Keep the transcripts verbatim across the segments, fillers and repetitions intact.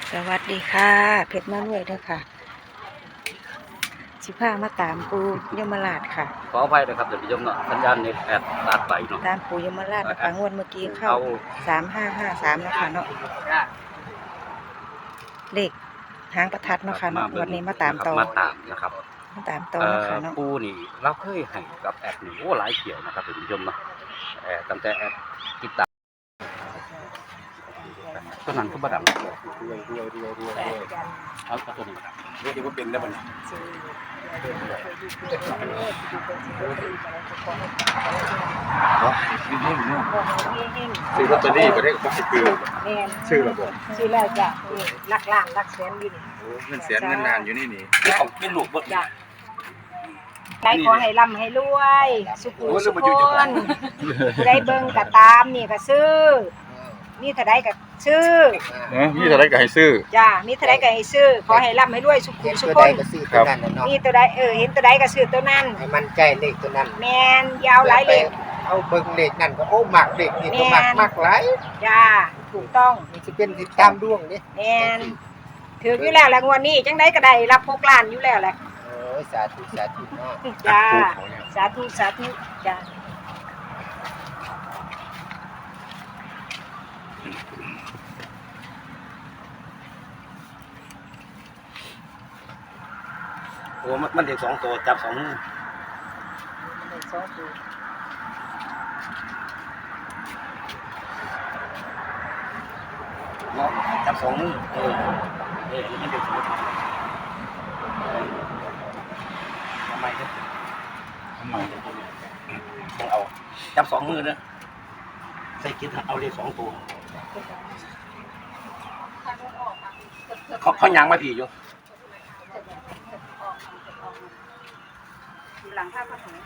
สวัสดีค่ะเพชรมาด้วยเด้อค่ะสิพามาตามปูยมราชค่ะขออภัยนะครับเดี๋ยวพี่ยมเนาะสัญญาณเน็ตแอดตัดไปเนาะตามปูยมราชนะคะงวดเมื่อกี้เข้าสามห้าห้าสามนะคะเนาะเลขหางประทัดเนาะค่ะเนาะวันนี้มาตามต่อมาตามนะครับมาตามต่อนะคะเนาะปูนี่เราเคยให้กับแอดนี่โอ้หลายเกี่ยวนะครับพี่ยมเนาะแอดตั้งแต่แอดติดตามตัวนั้นก็บ่ดังเอาตัวนี้เรียกว่าเป็นได้บ่เนี่ยซื้อลอตเตอรี่บ่ได้ก็คือชื่อระบบชื่อแล้วจ้ะลักล้านลักแสนอยู่นี่โอ้เงินแสนเงินล้านอยู่นี่นี่เป็นลูกบ่จ้ะใครขอให้ร่ำให้รวยสุขุสุขคนได้เบิ่งก็ตามนี่ก็ซื้อมีเท่าใดก็ซื้อเออมีเท่าใดก็ให้ซื้อจ้ามีเท่าใดก็ให้ซื้อขอให้ร่ำให้รวยสุขุสุขคนครับมีตัวใดเออเห็นตัวใดก็ซื้อตัวนั้นให้มันใจเลขตัวนั้นแม่นยาวหลายเลขเอาเบิ่งเลขนั่นก็โอ้มักเลขนี่ก็มักมักหลายจ้าถูกต้องมันสิเป็นติดตามดวงนี่แม่นถืออยู่แล้วแหละงวดนี้จังได๋ก็ได้รับหกล้านอยู่แล้วแหละโอ้ยสาธุสาธุเนาะจ้าสาธุสาธุจ้าโอ้มันเด็กสองตัวจับสองมือเด็กสองตัวเนาะจับสองมือเออเออมันเด็กสองตัวทำไมเนี่ยทำไมต้องเอาจับสองมือเนอะใส่กินเอาเลขสองตัวเขาเขายางมาผีอยู่หลังภาพพระสงฆ์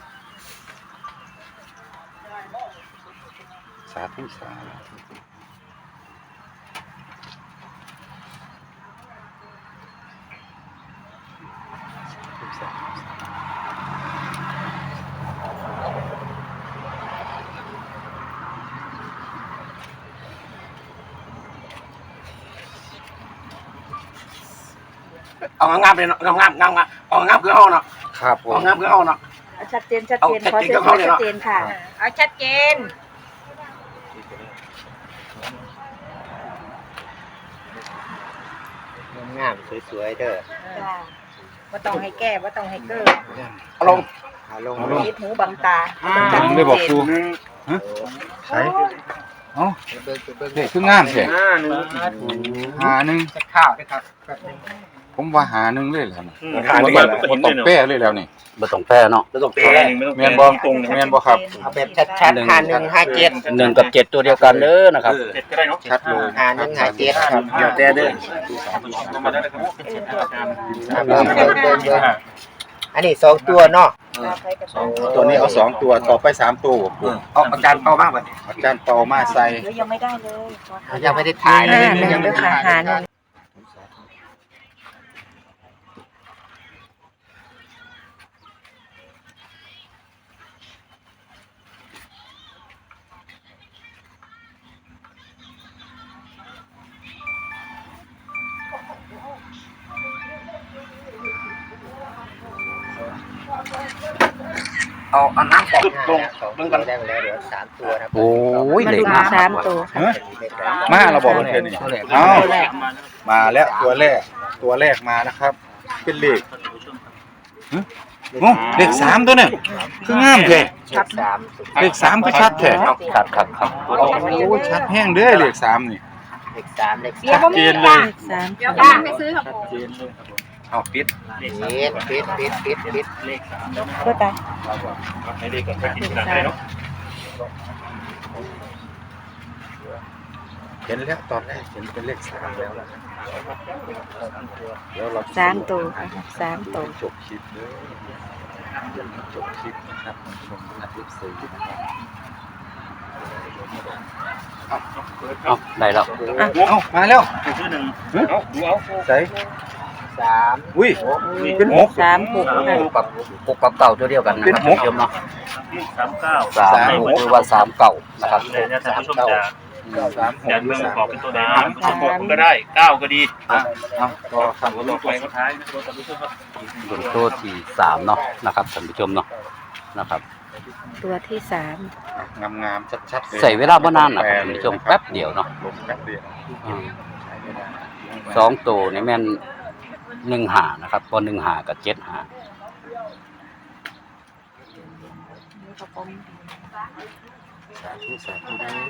สาธุสาธุเอางามๆเลยเนาะงามๆงามๆเอางามคือเฮาเนาะครับผมเอางามคือเฮาเนาะชัดเจนชัดเจนขอเสียงชัดเจนค่ะเอาชัดเจนงามสวยๆเด้อจ้าบ่ต้องให้แก้บ่ต้องให้เก้อเอาลงเอาลงคิดหูบังตาได้บอกครูฮะใช่เอ้าเด็กคืองามแท้หาหนึ่งจะข้าวด้วยครับผมว่าหาหนึ่งเลยแล้วนี่บ่ต้องแป้เลยแล้วนี่บ่ต้องแป้เนาะบ่ต้องแป้แม่นบ่ตรงแม่นบ่ครับเอาแบบชัดๆห้าหนึ่งห้าเจ็ดหนึ่งกับเจ็ดตัวเดียวกันเด้อนะครับเจ็ดก็ได้เนาะชัดเลยห้าหนึ่งห้าเจ็ดครับเดี๋ยวแต่เด้ออันนี้สองตัวเนาะตัวนี้เอาสองตัวต่อไปสามตัวเอาอาจารย์เป่าบ้างบัดนี้อาจารย์เป่ามาใส่ยังไม่ได้เลยยังไม่ได้ถ่ายเลยยังไม่ได้หาหนึ่งเอาอันน้ำปอกลงลงกันได้แล้วเดี๋ยวสามตัวนะโอ้ยมาดูสามตัวค่ะมาเราบอกเพื่อนนี่เอามาแล้วตัวแรกตัวแรกมานะครับ เป็นเลขโอ้เลขสามตัวเนี่ยคืองามแท้ชัดสามเลขสามก็ชัดแท้ครับครับครับโอ้ชัดแห้งเด้อเลขสามนี่เลขสามเลขชัดเจนเลยสามเดี๋ยวบ้านไปซื้อครับผมเอาปิดปิดปิดปิดปิดปิดเลขสามก็ตายให้เลขก่อนไปกินกันได้เนาะเห็นแล้วตอนแรกเห็นเป็นเลขสามแล้วล่ะเดี๋ยวเราสามตัวสามตัวจบคลิปเลยจบคลิปนะครับชมอาทิตย์สี่นะครับเอาได้แล้วเอามาแล้วเอาดูเอาใส่สามอุ้ยเป็นหกสามหกกับหกกับเก่าตัวเดียวกันนะครับเดิมเนาะสามเก้าสามหกหรือว่าสามเก่านะครับเนี่ยท่านผู้ชมจะสามหกยันเมืองบอกเป็นตัวไหนสามหกก็ได้เก้าก็ดีอ่ะเอาก็คำตัวต่ต่ออไปไปก็ท้ายนะตัวต่อไปครับบนโต๊ะที่สามเนาะนะครับท่านผู้ชมเนาะนะครับตัวที่สามงามๆชัดๆเลยใส่เวลาบ่นานนะครับท่านผู้ชมแป๊บเดียวเนาะลงแป๊บเดียวอืมสองตัวนี่แม่นหนึ่งหานะครับพอหนึ่งหากับเจ็ดหาสาธุสาธุเด้อ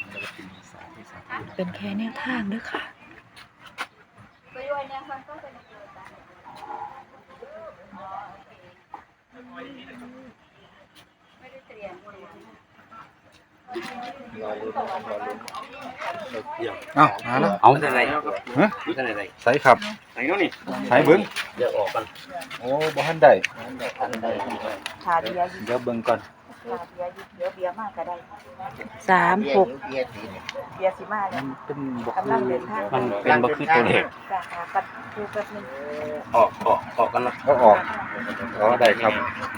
เป็นแค่แนวทางเด้อค่ะเอ้ามาแล้วเอาท่านไหนฮะท่านไหนใส่ครับไหนเนาะนี่ใส่เบิ้งเดี๋ยวออกกันโอ้บ่ทันได้ขาเบียร์เดี๋ยวเบิ้งก่อนขาเบียร์เดี๋ยวเบียร์มากก็ได้สามหกเบียร์สีเนี่ยเบียร์สิมามัเนี่ยนเป็นบ่กำลังเดินทางมันเป็นบ่คือตัวเลขจะหาปัดดูแป๊บนึงออกออกออกกันละก็ออกอ๋อได้ครับ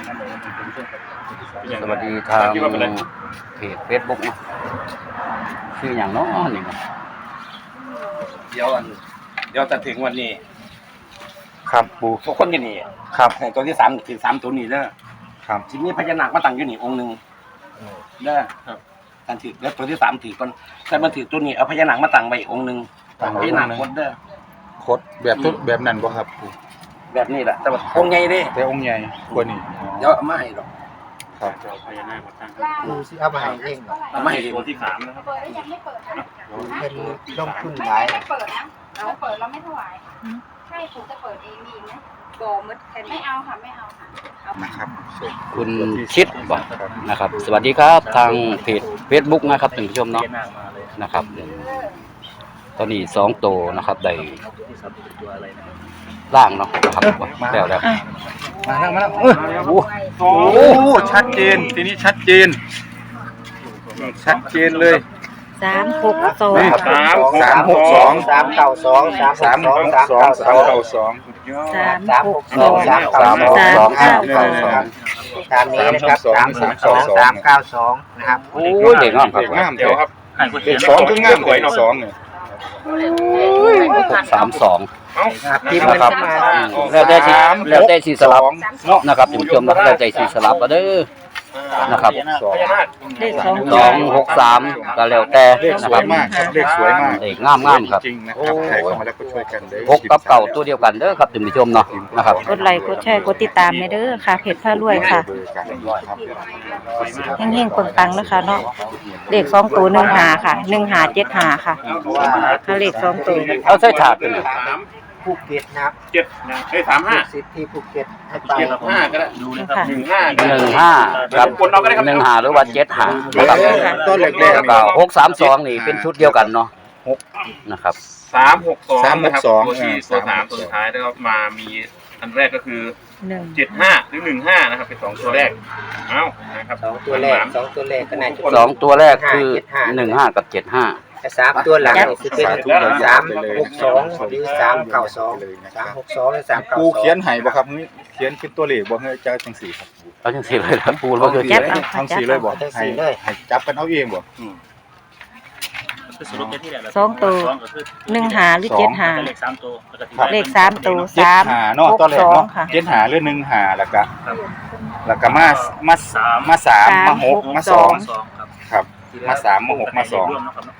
สวัสดีทางเพจ Facebook เนาะชื่ออย่างเนาะนี่เนาะเดี๋ยวอันเดี๋ยวจะถึงวันนี้ครับปูทุกคนอยู่นี่ครับตัวที่สามถึงสามตัวนี้เด้อครับทีนี้พญานาคมาตั้งอยู่นี่องค์หนึ่งเด้อการถือแล้วตัวที่สามถือก่อนแต่มันถือตัวนี้เอาพญานาคมาตั้งไว้อีกองค์หนึ่งตั้งพไว้ญานาคองค์หนึ่งคดเด้อโคดแบบทุกแบบนั้นบ่ครับปูแบบนี้แหละแต่ว่าองค์ใหญ่เด้แต่องค์ใหญ่กว่านี้เดี๋ยวเอามาให้ดอกครับพญานาคมาตั้งดูสิเอามาให้เองเหรอเอามาให้ตัวที่สามนะครับเป็นลงทุนหลายไม่เปิดนะเราเปิดเราไม่ถวายใช่ผมจะเปิดเองมีไหมบ่มดแค่ไม่นี้เอาค่ะไม่เอาค่ะนะครับส่งคุณชิดบ่นะครับ สวัสดีครับทางเพจ Facebook นะครับท่านผู้ชมพเนาะญานาคมาเลยนะครับ ตอนนี้สองตัวนะครับได้ที่สามตัวอะไรนะล่างเนาะนะครับแล้วแล้วมาแล้วมาแล้วเออโอ้โอ้ชัดเจนทีนี้ชัดเจนชัดเจนเลยสามหกสองนี่สามสามหกสองสามเก้าสองสามสามสหองกสามสองเก้าสสามองเก้าสองสามสามหหกกสสออง งสามสามหกสองสามเก้าสองตามนี้นะครับสามหกสองสามเก้าสองนะครับโอ้ยเด็กงามครับเด็กงามเดี๋ยวครับเด็กสองคืองามเลยสองเนี่ยหกสามสองครับพิมพ์นะมันครับเข้ามาอืมแล้วได้สีแล้วได้สีสลับเนาะนะครับท่านผู้ชมเนาะแล้วได้สีสลับก็เด้อนะครับพญานาคเลขสองสองหกสามก็แล้วแต่เลขนะสคว รับยมากครับเลขสวยมากเด็กงามงามครับจริงๆนะครับใครเข้ามาแล้วก็ช่วยกันเลยหกกับเก่าตัวเดียวกันเด้อครับท่านผู้ชมเนาะนะครับกดไลค์กดแชร์กดติดตามในเด้อค่ะเพจผ้ารวยค่ะเบอร์กันครับเฮงๆปังๆนะคะเนาะเลขสองตัวหนึ่งหาค่ะหนึ่งหาเจ็ดหาค่ะถ้าเลขสองตัวเอาใส่ถาดไปเลยสามภูเก็ตนะครับเจ็ดนะเอ้ยสามห้าสิทธิ์ที่ภูเก็ตให้ไปเจ็ดห้าก็ได้ดูนะครับหนึ่งห้าหนึ่งห้าครับหนึ่งหาหรือว่าเจ็ดหานะครับต้นแรกแล้วก็หกสามสองนี่เป็นชุดเดียวกันเนาะหกนะครับสามหกสองสามหนะกครับสองตัวที่ตัวสามตัวสุดท้ายแล้วก็มามีอันแรกก็คือหนึ่งเจ็ดห้าหรือหนึ่งห้านะครับเป็นสองตัวแรกเอ้านะครับสองตัวแรกสองตัวแรกก็น่าจะสองตัวแรกคือหนึ่งห้ากับเจ็ดห้าแต่สามตัวหลังนี่คือเป็นสามหกสองหรือสามเก้าสองสามหกสองหรือสามเก้าปูสองเขียนให้บ่ครับเฮ้ยเขียนเป็นตัวเลขบ่เฮ้ยเจ้าจังสี่ครับเอาจังสี่เลยครับปูว่าคือแจ๊บเอาทั้ค่ะงแจ๊สี่บเลยบ่เอาให้ให้จับกันเอาเองบ่สองตัวหนึ่งหาหรือเจ็ดหาเลขสามตัวเลขสามตัวเจ็ดสามหาเนาะหกตอนแรสกองเนาะค่ะเจ็ดหาหรือหนึ่งหาแล้วก็แล้วก็มามามาสามสามมาหกหกมาสองสองครับ มาสามมาหกมาสอง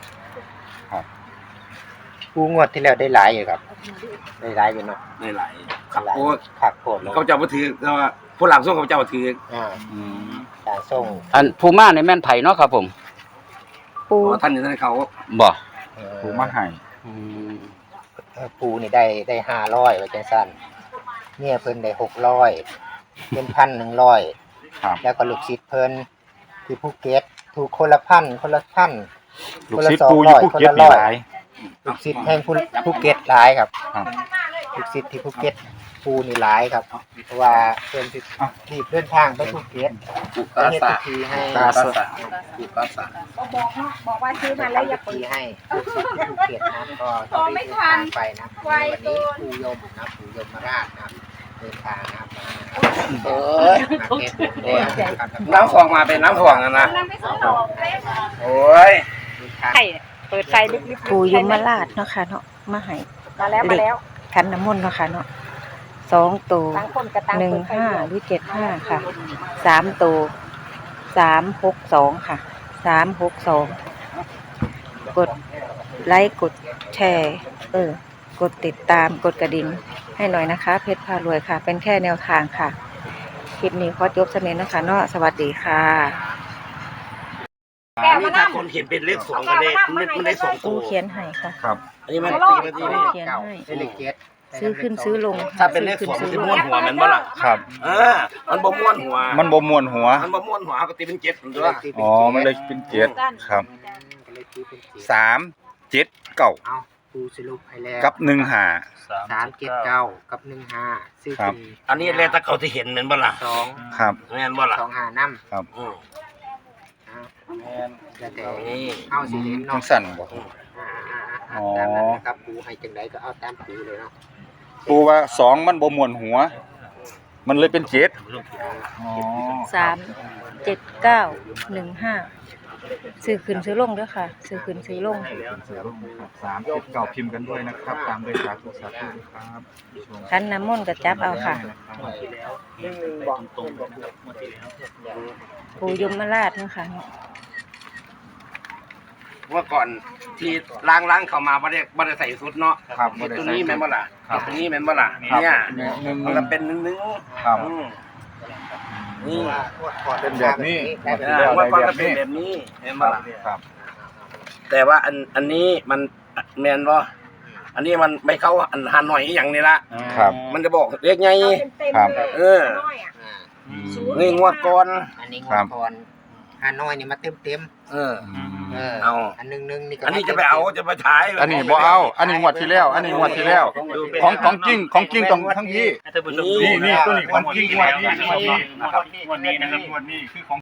ผู้งวดที่แล้วได้หลายอยู่ครับได้หลายอยู่เนาะในหลายครับหลายโอ้ขักโกรธเลยเขาเจ้ามาถือแต่ว่าผู้หลังส่งเขาเจ้ามาถืออ่าอืมสายส่งอันภูมาในแม่นไผ่เนาะครับผมปูเพราะท่านอยู่ท่านเขาบ่เอ่อปูมาให้อืมเอ่อปูนี่ได้ได้ห้าร้อยไว้จังสั้นเนี่ยเพิ่นได้หกร้อยเป็นพันหนึ่งร้อยครับแล้วก็ลูกศิษย์เพิ่นที่ภูเก็ตถูกคนละพันคนละพันลูกศิษย์ปูอยู่ภูเก็ตนี่หลายลูกศิษย์แห่งภูภูเก็ตหลายครับครับลูกศิษย์ที่ภูเก็ตปูนี่หลายครับ เพราะว่าเพิ่นสิรีบเดินทางไปภูเก็ตปุกไปตาเฮ็ดสะพิธีให้ตาสะปุกตาสะบอกบอกเนาะบอกว่าซื้อมาไปแล้วอเฮ็ย่าดเปิพิดธีให้ลูกศิษย์ที่ภูเก็ตนะก็จะได้เดินทางไปนะวันนี้ปูยมนะปูยมราชนะครับเดินทางนะครับเอ้ยมาเก็ตเนี่ยนะครับน้ำฟองมาเป็นน้ำฟองนะนะนั่งไปซื้อดอกเล็กโอ้ยเดินทางไข่เปิดไฟลึกๆปู่ยมราชเนาะค่ะเนาะมาให้มาแล้วมาแล้วขันน้ำมนต์เนาะค่ะเนาะสองตัวต่างคนก็ต่างหนึ่งเปิดไฟห้าด้วยหรือเจ็ดห้าค่ะสามตัวสามหกสองค่ะสามหกสองกดไลค์กดแชร์เออกดติดตามกดกระดิ่งให้หน่อยนะคะ เพชรพารวยค่ะ เป็นแค่แนวทางค่ะคลิปนี้ขอจบสำเนียงนะคะเนาะสวัสดีค่ะแก้วนี่มาถ้านั่งคนเห็นเป็นเลขสองก็เลขมันมันได้สองตัปู่วเขียนให้ค่ะครับอันนี้มันโลตีดมาทีปู่นี้เขียนให้ได้เลขเจ็ดซื้อขึ้นซื้อลงถ้าเป็นเลขสองมันจะม้วนหัวมันบ่ล่ะครับเออมันบ่ม้วนหัวมันบ่มวนหัวมันบ่ม้วนหัวก็ตีเป็นเจ็ดมันด้วยอ๋อมันเลยเป็นเจ็ดครับก็เลยตีเป็นเจ็ดสามเจ็ดเก้าเอาปูสรุปให้แล้วกับหนึ่งห้าสามเจ็ดเก้ากับหนึ่งห้าซื้อครับขึ้นอันนี้แล้วถ้าเขาที่เห็นมันบ่ล่ะสองครับแม่นบ่ล่ะสองห้าน้ำครับอืมแล้วแต่นี่เอาสิเห็นจัเนาะงสั่นบ่อ่าๆๆอ๋อตามนั้นนะครับปูให้จังไดก็เอาตามปูเลยเนาะปูว่าสองมันบ่มวนหัว มันเลยเป็นเจ็ดอ๋อสามเจ็ดเก้าหนึ่งห้าซื้อขึ้นซื้อลงด้วยค่ะซื้อขึ้นซื้อลงสามเจ็ดเก้าพิมพ์กันด้วยนะครับ ตามด้วยสาธุสาธุครับขันน้ำมนต์ก็จับเอาค่ะ ปู่ยมราชเนาะค่ะเมื่อก่อนที่ล้างล้างๆเข้ามาบ่ได้บ่ได้ใส่สุดเนาะครับเฮ็ดตัวนี้แม่นบ่ล่ะครับเฮ็ดตัวนี้แม่นบ่ล่ะครับเนี่ยหนึ่งมันก็เป็นหนึ่งหนึ่งครับอืมนี่เป็นแบบนี้เออเมื่อก่อนก็เป็นแบบนี้แม่นบ่ล่ะครับแต่ว่าอันอันนี้มันแม่นบ่อันนี้มันไม่เข้าอันหาหน่อยอหย่างนี้ละครับมันจะบอกเลขไงเต็มครับๆเลยเออน้อยอะอ่าอืมนี่งวดก่อนอันนี้งครัวบดก่อนฮานอยนี่มาเต็มเต็มเอออืมๆเออเอาอันหนึงหนึงนี่ก็อันนี้จะไปเอาจะไปถ่ายอันนี้บ่เอา อันนี้งวดที่แล้ว อันนี้งวดที่แล้ว ของของจริงของจริงต้องทั้งที่นี่นี่นี่ตัวนี้ของจริงงวดนี้งวดนี้นะครับงวดนี้นะครับงวดนี้คือของ